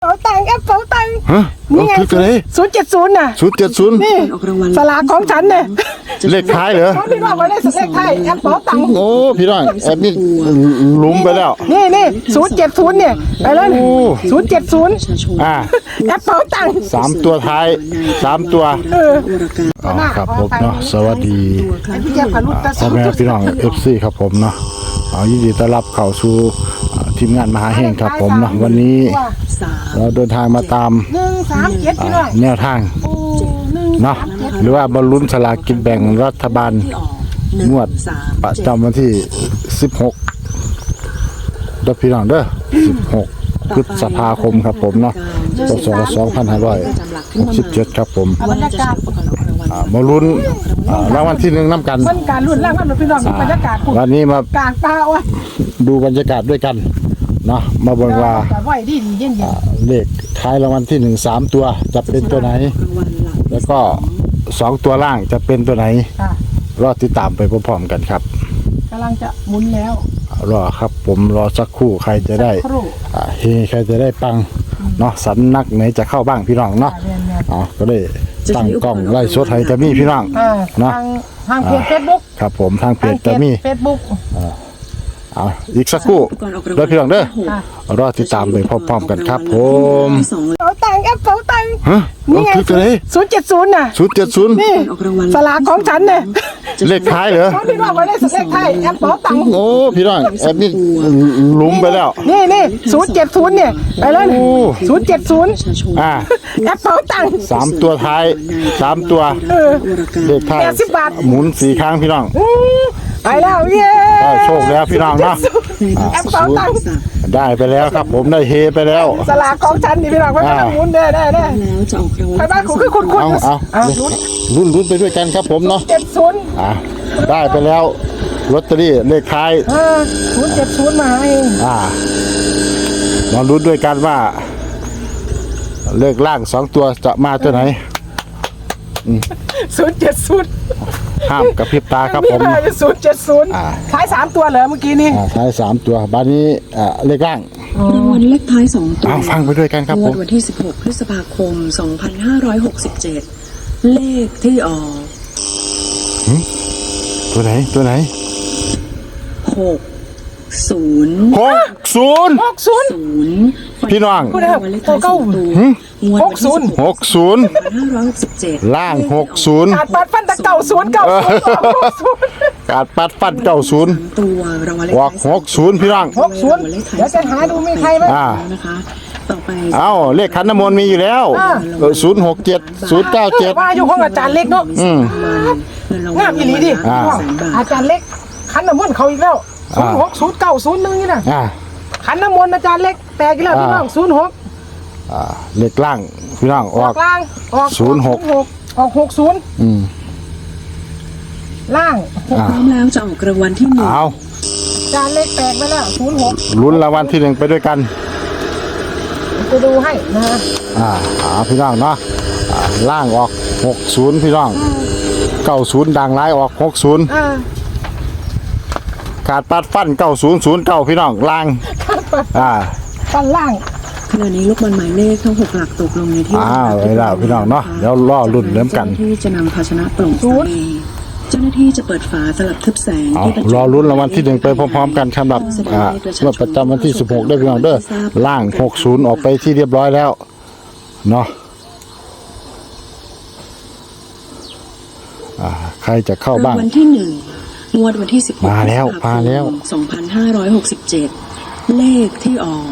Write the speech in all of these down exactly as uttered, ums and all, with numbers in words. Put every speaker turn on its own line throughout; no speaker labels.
ป๋าตังค์แอปเป๋าตังค์
ฮะ
นี่ไง
คืออะไร
ศูนย์เจ็ดศูนย์น่ะ
ศูนย์เจ็ดศูนย์
นี่สลากของฉันเนี่ย
เลขท้ายเหรอ
เขาพี่น้องมาได้เลขไทยแอปเป๋าตังค์
โอ้พี่น้องแอดมินหลุมไปแล้ว
นี่นี่ศูนย์เจ็ดศูนย์เนี่ยไปเลยศูนย์เจ็ดศูนย์
อ่า
แอปเป๋าตังค์
สามตัวท้ายสามตัว
เออ
อ๋อครับผมเนาะสวัสดี
ไอ้พี่แจ๊คพารุตตา
พ่อแม่พี่น้องเอฟซีครับผมเนาะเอายินดีต้อนรับเข้าสู่อ่าทีมงานมหาเฮงครับผมเนาะวันนี้เราเดินทางมาตาม
หนึ่งสามเจ็ดพี่น้อง
แนวทาง
โอ้หนึ่ง
เนาะหรือว่าบรรลุนสลากกินแบ่งรัฐบาลงวดประจำวันที่สิบหกเด้อพี่น้องเด้อสิบหกพฤษภาคมครับผมเนาะพศสองพันห้าร้อยหกสิบเจ็ดครับผม
บรรยากาศ
อ่ามาลุ้นอ่ารางวัลที่หนึ่งน้ำกัน
มันการรุ่นแรกมันพี่น้องบรรยากาศ
วันนี้มาก
ลางตาว่ะ
ดูบรรยากาศด้วยกันเนาะมาเบิ่งว่า
ไหวดีดีเย็นเย็น
เลขท้ายรางวัลที่หนึ่งสามตัวจะเป็นตัวไหน แล้วก็สองตัวล่างจะเป็นตัวไหน
ค่ะ
รอติดตามไปพร้อมๆกันครับ
กำลังจะหมุนแล้ว
รอครับผมรอสักครู่ใครจะได้
ครู
อ่าเฮใครจะได้ปังเนาะสันนักไหนจะเข้าบ้างพี่น้องเนาะ
เรียนเนี่ย
อ๋อก็ได้ตั้งกล้องไล่สดให้จะมีพี่น้อง
อ่า
เนาะ
ทางทางเพจเฟซบุ๊ก
ครับผมทางเพจจะมี
เฟซบุ๊ก
เอาอีกสักครู่เด้อพี่น้องเด้อ
ค่ะ
รอติดตามไปพร้อมๆกันครับผม
เป๋าตังค์แอปเป๋าตังค์
ฮะ
นี่ไง
คืออะไร
ศูนย์เจ็ดศูนย์น่ะ
ศูนย์เจ็ดศูนย์
นี่สลากของฉันเนี่ย
เลขท้ายเหรอ
เขาพี่น้องมาได้เลขไทยแอปเป๋าตังค์
โอ้พี่น้องแอดมินหลุมไปแล้ว
นี่นี่ศูนย์เจ็ดศูนย์เนี่ยไปเลย
โอ้
ศูนย์เจ็ดศูนย์
อ่า
แอปเป๋าตังค์
สามตัวท้ายสามตัว
เออ
เลขท้าย
แปดสิบบาท
หมุนสี่ครั้งพี่น้อง
อืมไปแล้วเย้
ได้โชคแล้วพี่น้องเนาะ
แอปเป๋าตังค์
ได้ไปแล้วครับผมได้เฮไปแล้ว
สลากของฉันนี่พี่น้องไม่ต้องหมุนได้ได้ได้
แล้วจะออกรางวัล
ไปบ้านคุณคือคุณคุณ
เอาเอา
เอาลุ้น
รุ่นรุ่นไปด้วยกันครับผมเนาะ
เจ็ดศูนย์
อ่าได้ไปแล้วลอตเตอรี่เลขท้าย
เออศูนย์เจ็ดศูนย์มาเอง
อ่ามาลุ้นด้วยกันว่า เลขล่างสองตัวจะมาตัวไหน
ศูนย์เจ็ดศูนย์
ห้ามกระพริบตาครับผม
ศูนย์เจ็ดศูนย์
อ่า
ขายสามตัวเหรอเมื่อกี้นี้
อ่าท้ายสามตัวบ้านนี้อ่าเลขล่าง
รางวัลเลขท้ายสองตัว
เอาฟังไปด้วยกันครับ
ง
ผ
วด
ม
วันที่สิบหกพฤษภาคมสองพันห้าร้อยหกสิบเจ็ดเลขที่ออก
ตัวไหนตัวไหน
หกศูนย์
หกศูนย์
หกศูนย์
ศูนย์
พี่น้อง
รางวัลเลขท้ายสองตัวงวดวันที่สิบ
หกศูนย์
หกพันห้าร้อยหกสิบเจ็ด
ล่างหกศูนย์
ขาดบัตรฟันตะเก่าศูนย์เก่าศูนย์หกศูนย์
การปัดฟันเก้าศูนย์
ตัวรางวัลเลข
ออกหกศูนย์พี่น้อง
หกศูนย์เดี๋ยวจะหาดูมีใครไหม
อ่า
นะคะต่อไป
เอาเลขขันน้ำมนต์มีอยู่แล้วศูนย์หกเจ็ดศูนย์เก้าเจ็ด
ว่าอยู่ห้องอาจารย์เล็กเนาะ
อืม
เงินรางวัล
งามอีหลีดิ
อ่า
อาจารย์เล็กขันน้ำมนต์เขาอีกแล้วศูนย์หกศูนย์เก้าศูนย์หนึ่งนี่นะ
อ่า
ขันน้ำมนต์อาจารย์เล็กแตกอีกแล้วพี่น้องศูนย์หก
อ่าเลขล่างพี่น้องอ
อ
อ
อก กล่างออก
ศูนย์หก
ออกหกศูนย์
อืม
ล่าง
อ่า
พร้อมแล้วจะออกรางวัลที่หนึ่ง
เอา
อาจารย์เล็กแตกไปแล้วศูนย์หก
ลุ้นรางวัลที่หนึ่งไปด้วยกัน
จะดูให้นะ
อ่าหาพี่น้องเนาะอ่าล่างออกหกศูนย์พี่น้องเก้าศูนย์ดังร้ายออกหกศูนย์
อ่า
ขาดปัดฟันเก้าศูนย์ศูนย์เก้าพี่น้องล่างอ่า
ฟันล่าง
ขณะนี้ลูกบอลหมายเลขทั้งหกหลักตกลงในที่
อ้าวเวลาพี่น้องเนาะเดี๋ยวรอรุ่นเริ่มกัน
เจ้าหน้าที่จะนำภาชนะโปร่งใสเจ้าหน้าที่จะเปิดฝาสลับทึบแสง
เอา
ที่บรรจุ
รอลุ้นรางวัลที่หนึ่งไปพร้อมๆกันสำหรับอ่างวดประจำวันที่สิบหกได้พี่น้องเด้อล่างหกศูนย์ออกไปที่เรียบร้อยแล้วเนาะอ่าใครจะเข้าบ้าง
รางวัลที่หนึ่งงวดวันที่สิบหก
มาแล้วมาแล้ว
สองพันห้าร้อยหกสิบเจ็ดเลขที่ออก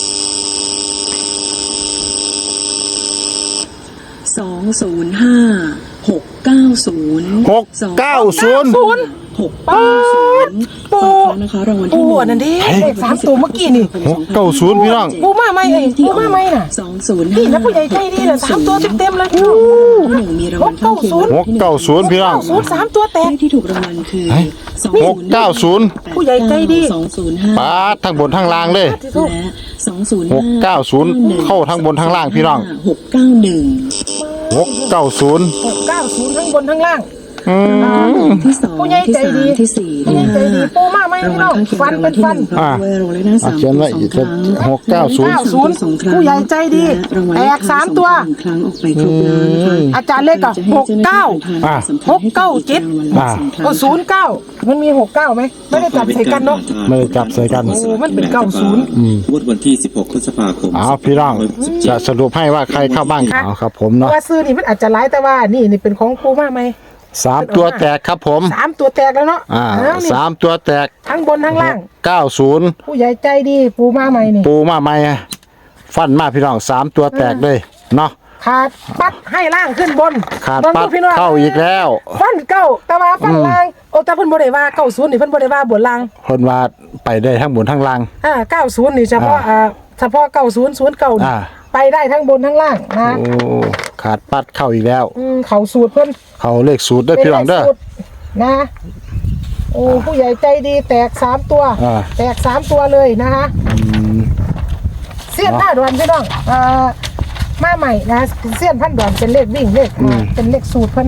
สองศูนย์ห้าหกเก้าศูนย์
หกเก้าศูนย์
หกเก้าศูนย์ฟังแล้วนะคะรางวัลที่
ปู
หนึ่ง
อันนั้นดิเลขสามตัวเมื่อกี้นี่
หกเก้าศูนย์พี่น้อง
ปูมาไหมไอ้ปูมาไหมน่ะ
สองศูนย์
นี่นะผู้ใหญ่ใจดีน่ะสามตัวเต็มๆเลยพี่น้อง
ที่หนึ่งมีรางวัลข้างเคียง
หกเก้าศูนย์พี่น้อง
ศูนย์สามตัวแต
เล
ก
ขที่ถูกรางวัลคือสอง
หกเก้าศูนย์
ผู้ใหญ่ใจดี
สองศูนย์ห้า
ปาดทั้งบนทั้งล่างเลย
และสองศูนย์
หกเก้าศูนย์เข้าทั้งบนทั้งล่างพี่น้อง
หกเก้าหนึ่ง
หกเก้าศูนย์
หกเก้าศูนย์ทั้งบนทั้งล่าง
อ
ที่สอง
ผู้ใหญ่
ที่
ใจ
สาม
ดี
ที่สี่
ผู้ใหญ่ใจดีปูมาไหม
ราง
พี่
วั
น้
ล
อง
ข้างเคียง
ฟัน
ราง
เป็
วัน ลที่ห
ฟัน
นึ่งรางวัลเลขหน้าสาม
เขียนไว้
สอ
อี
ง
ก
ครั้ง
หกเก้าศูนย์
เก้าศูนย์
สองครั้ง
ผู้ใหญ่ใจดี
และรางวัล
แตกสามตัว
หนึ่งครั้งออกไปครบแล้วนะคะ
อาจารย์เล็กอะหกเก้า
อ่ะ
หกเก้าเจ็ด
อ่ะ
โอ้ศูนย์เก้ามันมีหกเก้าไหมไม่ได้จับใส่กันเนาะ
ไม่ได้จับใส่กัน
โอ้มันเป็นเก้าศูนย์
อืม
งวดวันที่ สิบหก พฤษภาคม
เอาพี่น้องจะสรุปให้ว่าใครเข้าบ้างเอาครับผมเนาะ
ว่าซื้อนี่มันอาจจะร้ายแต่ว่านี่นี่เป็นของปูมาไหม
สามตัวแตกครับผม
สามตัวแตกแล้วเนาะ
อ่า
เนี่
สามตัวแตก
ทั้งบนทั้งล่าง
เก้าศูนย์
ผู้ใหญ่ใจดีปูมาใหม่นี่
ปูมาใหม่ฟันมาพี่น้องสามตัวแตกเลยเนาะ
ขาดปัดให้ล่างขึ้นบน
ขาด
บน
ปัด
พี่น้อง
เข้าอีกแล้ว
ฟันเก้าแต่ว่าฟันล่างโอ้แต่เพิ่นบ่ได้ว่าเก้าศูนย์นี่เพิ่นบ่ได้ว่าบนล่าง
เพิ่นว่าไปได้ทั้งบนทั้งล่าง
อ่าเก้าศูนย์นี่เฉพาะ
อ่า
อ่าเฉพาะเก้าศูนย์ศูนย์เก้านี่
อ่า
ไปได้ทั้งบนทั้งล่างนะ
โอ้ขาดปัดเข้าอีกแล้ว
อืมเขาสูตรเพิ่น
เขาเลขสูตรเด้อพี่น้องเด้อ
ป็นลขสูตรนะโอ้ผู้ใหญ่ใจดีแตกสามตัว
อ่า
แตกสามตัวเลยนะคะเสี้ยนหน้าดวนพี่น้องอ่ามาใหม่นะเสี้ยนพันดวนเป็นเลขวิ่งเลขอ่าเป็นเลขสูตรเพิ่น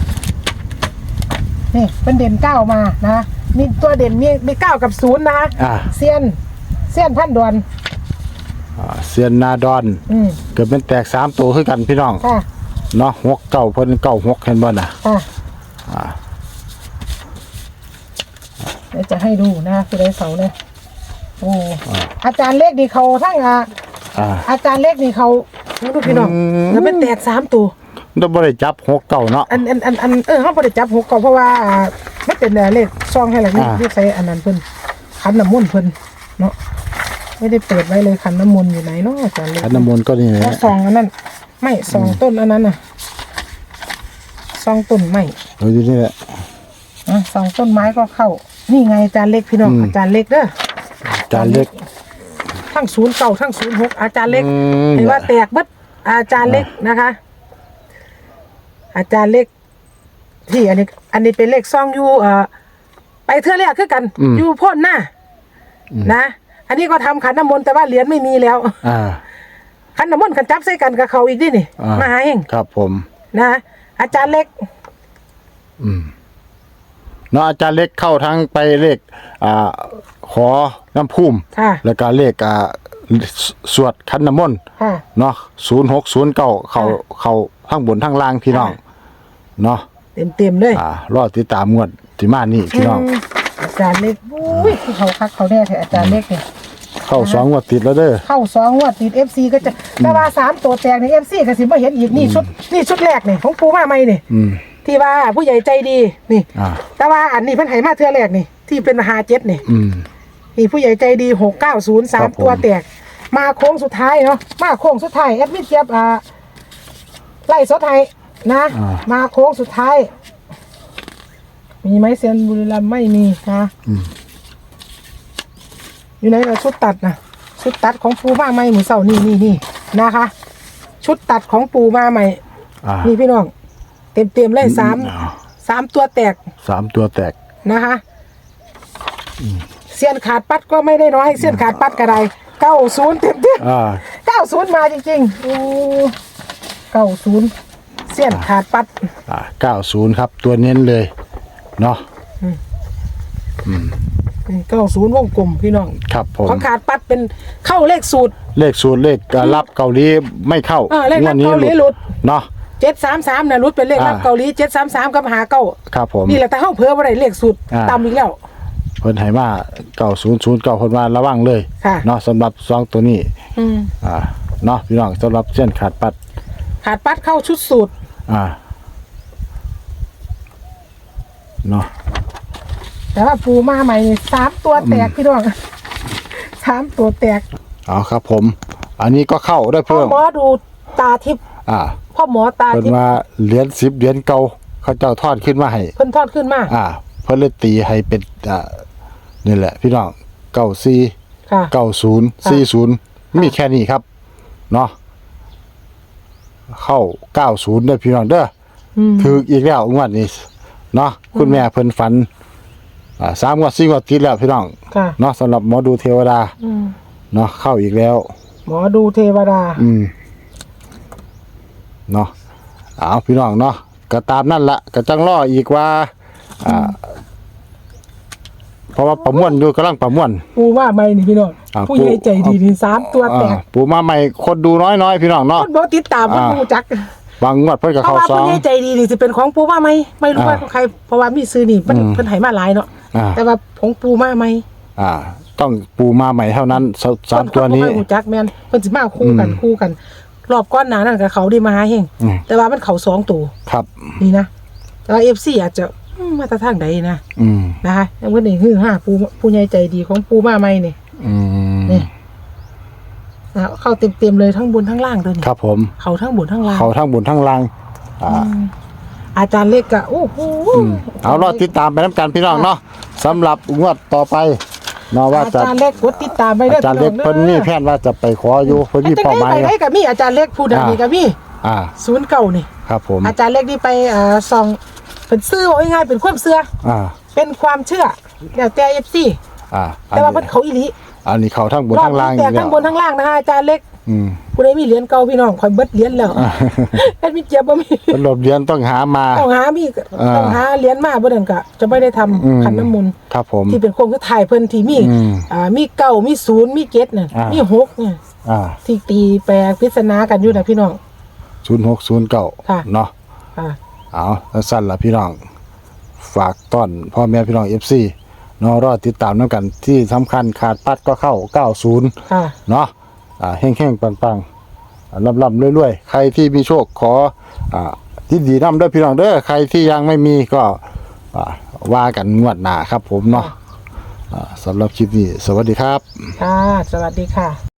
นี่เป็นเด่นเก้ามานะมีตัวเด่นมีมีเก้ากับศูนย์นะคะ
อ่า
เสี้ยนเสี้ยนพันดวน
อ่าเซียนนาดอน
อืม
เกิดเป็นแตกสามตัวคือกันพี่น้อง
ค่ะ
เนาะหกเก้าเพิ่นเก้าหกเห็นบ่น่ะ
ค่ะ
อ่า
เดี๋ยวจะให้ดูนะคือได้เสาเนี่ยโอ้อาจารย์เล็กนี่เขาทั้งอ่า
อ่า
อาจารย์เล็กนี่เขาดูพี่น้อง
อืม
แล้วเป็นแตกสามตัว
เราบ่ได้จับหกเก้าเนาะ
อันอันอันอันเออเขาบ่ได้จับหกเก่าเพราะว่าอ่ามันเป็นเลขซองให้แหละนี่
อ่า
ที่ใส่อันนั้นเพิ่นขันน้ำมนต์เพิ่นเนาะไม่ได้เปิดไว้เลยขันน้ำมนต์อยู่ไหนเนาะอาจารย์เล็ก
ขันน้ำมนต์ก็นี่แห
แล้ว
ละ
ซองอันนั้นไม่ซองต้นอันนั้นน่ะซองต้นไม้
เอออยู่นี่แหละ
อ่ะซองต้นไม้ก็เข้า นี่ไงอาจารย์เล็กพี่น้อง
อืม
อาจารย์เล็กเด้อ
จานเล็ก
ทั้งศูนย์เก่าทั้งศูนย์หกอาจารย์เล็ก
อืม
เห็นว่าแตกเบิดอาจารย์เล็กนะคะ อาจารย์เล็ก ที่อันนี้ อันนี้เป็นเลขซองอยู่เอ่อไปเทื่อแรกคือกัน
อืม
อยู่พ่นหน้านะ อันนี้ก็ทำขันน้ำมนต์แต่ว่าเหรียญไม่มีแล้ว
อ่า
ขันน้ำมนต์ขันจับใส่กันกับเขาอีกดินี่
อ่าม
มาหาเอง
ครับผม
นะ อาจารย์เล็ก
อืมเนาะอาจารย์เล็กเข้าทั้งไปเลขอ่าขอน้ำพุ่ม
ค่ะ
แล้วก็เลขอ่าสสวดขันน้ำมนต์
ค่ะ
เนาะศูนย์หกศูนย์เก้าเขาเขาทั้งบนทั้งล่างพี่น้อง
ค่ะ
เนาะ
เต็มเต็มๆเลย
อ่ารอติดตามงวดที่มานี่พี่น้อง
มอาจารย์เล็กอุ้ยที่เขาคักเขาแน่แท้อาจารย์เล็กเนี่ย
เข้าสองงวดติดแล้วเด้อ
เข้าสองงวดติดเอฟซีก็จะแต่ว่าสามตัวแตกในเอฟซีก็สิบ่เห็นอีกนี่ชุดนี่ชุดแรกนี่ของปูมาใหม่นี่
อืม
ที่ว่าผู้ใหญ่ใจดีนี่
อ่า
แต่ว่าอันนี้เพิ่นให้มาเทื่อแรกนี่ ที่เป็นหาเจ็ดนี่
อืม
นี่ผู้ใหญ่ใจดีหกเก้าศูนย์สา
ครั
ม
บผม
ตัวแตก มาโค้งสุดท้ายเนาะมาโค้งสุดท้ายแอดมิดเทียบอ่าไล่สดไทยนะ
อ่า
มาโค้งสุดท้าย มีไหมเซียนบุรีรัมย์ไม่มีนะ
อืม
อยู่ไหนเราชุดตัดนะชุดตัดของปูมาใหม่หมูเสานี่นี่นี่นะคะ ชุดตัดของปูมาใหม่
อ่า
นี่พี่น้อง เต็มเต็มๆเลยสาม
อ่า
สามตัวแตก
สามตัวแตก
นะคะเสี้ยนขาดปัดก็ไม่ได้น้อยเสี้ยนขาดปัดกระไดเก้าศูนย์เต็มเต็ม
อ่า
เก้าศูนย์มาจริงๆโอ้เก้าศูนย์เสี้ยนขาดปัด
อ่าเก้าศูนย์ครับ ตัวเน้นเลย เนาะ
เก้าศูนย์วงกลมพี่น้อง
ครับผม
ของขาดปัดเป็นเข้าเลขสูตร
เลขสูตรเลขอ่ารับเกาหลีไม่เข้า
เออเลขรับ
งวดนี้
เกาหลีหลุด
เนาะ
เจ็ดสามสามนะรุดเป็นเลขรับ
อ่า
เกาหลีเจ็ดสามสามกับหาเก้า
ครับผม
นี่แหละแต่เข้าเพิ่มอะไรเลขสูตร
อ่า
ตามอีกแล้ว
เพิ่นให้มาเก้าศูนย์ศูนย์เก้าเพิ่นว่าระวังเลย
ค่ะ
เนาะสำหรับสองตัวนี้
อืม
อ่าเนาะพี่น้องสำหรับเส้นขาดปัด
ขาดปัดเข้าชุดสูตร
อ่าเนาะ
แต่ว่าปูมาใหม่นี่สามตัวแตกพี่น้องสามตัวแตก
เอาครับผม อันนี้ก็เข้าได้
พ่อ
เพิ่ม
หมอดูตาทิพย์
อ่า
พ่อหมอตา
เพิ่น
ทิพย์
ว่าเหรียญสิบเหรียญเก่าเขาเจ้าทอดขึ้นมาให้
เพิ่นทอดขึ้นมา
อ่า เพิ่นเลยตีให้เป็นอ่านี่แหละ พี่น้องเก้าสี่
ค่ะ
เก้าศูนย์สี่ศูนย์มีแค่นี้ครับ เนาะเข้าเก้าศูนย์เด้อพี่น้องเด้อ
อืม
ถืออีกแล้วงวดนี้เนาะคุณแม่เพิ่นฝันอ่าสามงวดสี่งวดติดแล้วพี่น้อง
ค่ะ
เนาะสำหรับหมอดูเทวดา
อืม
เนาะเข้าอีกแล้ว
หมอดูเทวดา
อืมเนาะเอาพี่น้องเนาะก็ตามนั่นละก็จังรออีกว่าอ่าเพราะว่าประมวลอยู่กำลังประมวล
ปูว่าไม่นี่พี่น้อง
อ่า
ผู้ใหญ่ใจดีนี่สามตัวแตก
อ่าปูมาใหม่คนดูน้อยๆพี่น้องเนาะ
คนบอกติดตามคน
อ่า
รู้จัก
บางงวดเพิ่นก็
เพราะ
เข้า
ว่า
สอ
ผู้
ง
ใหญ่ใจดีนี่สิเป็นของปูว่าไม่ไม่รู้ว่า
อ่า
ใครเพราะว่ามีซื้อนี่มัน
อืม
เพิ่นให้มาหลายเนาะ
อ่า
แต่ว่าของปูมาไม่
อ่า ต้องปูมาใหม่เท่านั้นสสามตัวนี้
เพิ่บ่ค่อยรู้จักแม่นเพิ่นสิมาคู่กัน
อืม
คู่กัน รอบก้อนหน้านั้นกับเขาได้มาหาเฮง
อืม
แต่ว่ามันเขาสองตัว
ครับ
นี่นะแต่ว่า เอฟ ซี อาจจะอืมมาแตะทางใดนะ
อืม
นะคะยังเพิ่นนี่ฮือฮาปูผู้ใหญ่ใจดีของปูมาใหม่นี่
อืม
นี่นะเข้าเต็มๆเลยทั้งบนทั้งล่างเลยนี่
ครับผม
เขาทั้งบนทั้งล่าง
เขาทั้งบนทั้งล่าง อ่า
อืมอาจารย์เล็กก็โอ้โห
อืมเอารอติดตามไปน้ำกันพี่น้องเนาะสำหรับงวดต่อไปเนาะว่า
อา
จะ
จารย์เล็กกดติดตามไปเด้อ
อาจารย์เล็ก
พี่
เพิ่น
อง
มี
ด้อ
แผนว่าจะไปขออยู่เพิ่นมี
แต่
เป้าห
ได้
มาย
ไปได้กับมีอาจารย์เล็กผู้ดัง
อ่านี่
นี่กับมี
อ่า
ศูนย์เก่านี่
ครับผม
อาจารย์เล็กนี่ไปอ่าส่องเป็นซื้อว่าง่ายๆเป็นความเชื่อ
อ่า
เป็นความเชื่อแล้วแต่ เอฟ ซี
อ่าอัน
แต่ว่า
นี้
เพิ่นเขาอีหลี
อันนี้เขาทั้งบน
รอบ
ทั้งล่าง
นี้แต่
อยู่แล้ว
ทั้งบนทั้งล่างนะคะอาจารย์เล็ก
อืม
ผู้ใดมีเหรียญเก่าพี่น้องคอยเบิดเหรียญแล้วแค่มีเจียบบ่มี
เป็นหลบเรียนต้องหามา
ต้องหามี
อ่า
ต้องหาเหรียญมาบ่นั่นก็จะไม่ได้ทำ
อืม
ขันน้ำมนต์
ครับผม
ที่เป็นโครงคือถ่ายเพิ่นที่มี
อืม
อ่ามีเก้ามีศูนย์มีเจ็ดน่ะ
อ่ามี
มีหกเนี่ย
อ่า
ที่ตีแปลปริศนากันอยู่นะพี่น้อง
ศูนย์หกศูนย์เก้า
ค่ะ
เนาะ
ค่ะ
เอาสั้นๆล่ะพี่น้อง ฝากต้อนพ่อแม่พี่น้อง เอฟ ซี เนาะรอติดตามนำกันที่สำคัญขาดปัดก็เข้าเก้าสิบ
ค่ะ
เนาะอ่าแห้งๆปังๆอ่าลำๆรวยๆใครที่มีโชคขออ่าที่ดีนำเด้อพี่น้องเด้อใครที่ยังไม่มีก็อ่าว่ากันงวดหน้าครับผมเนาะอ่าสำหรับคลิปนี้สวัสดีครับ
ค่ะ สวัสดีค่ะ